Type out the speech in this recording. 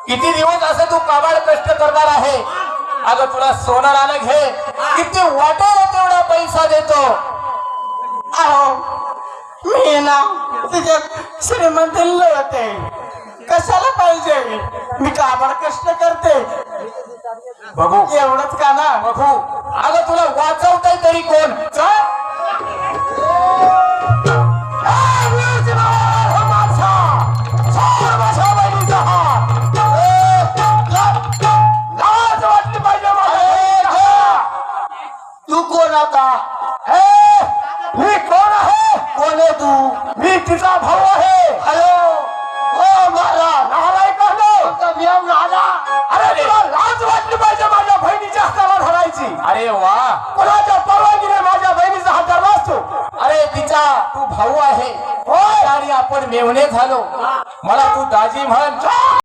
किती दिवस असं तू काबाड कष्ट करणार आहे? अगं तुला सोनं आलं घे, किती वाटेल तेवढा पैसा देतो. अहो मी ना तुझ्या श्रीमंतीला होते, कशाला पाहिजे? मी काबाड कष्ट करते बघू एवढंच का ना? बघू. अगं तुला वाचवताय तरी कोण? चल. तू कोण आता? मी कोण आहे? कोण आहे तू? मी तिचा भाऊ आहे. हॅलो ओ मला नालायक आहे. मिळून आला. अरे तुला लाज वाटली पाहिजे माझ्या बहिणीच्या हाताला धरायची. अरे वा, कोणाच्या परवानगीने माझ्या बहिणीचा हात धरला असतो? अरे तिचा तू भाऊ आहे होय, आणि आपण मेवणे झालो. मला तू दाजी म्हण.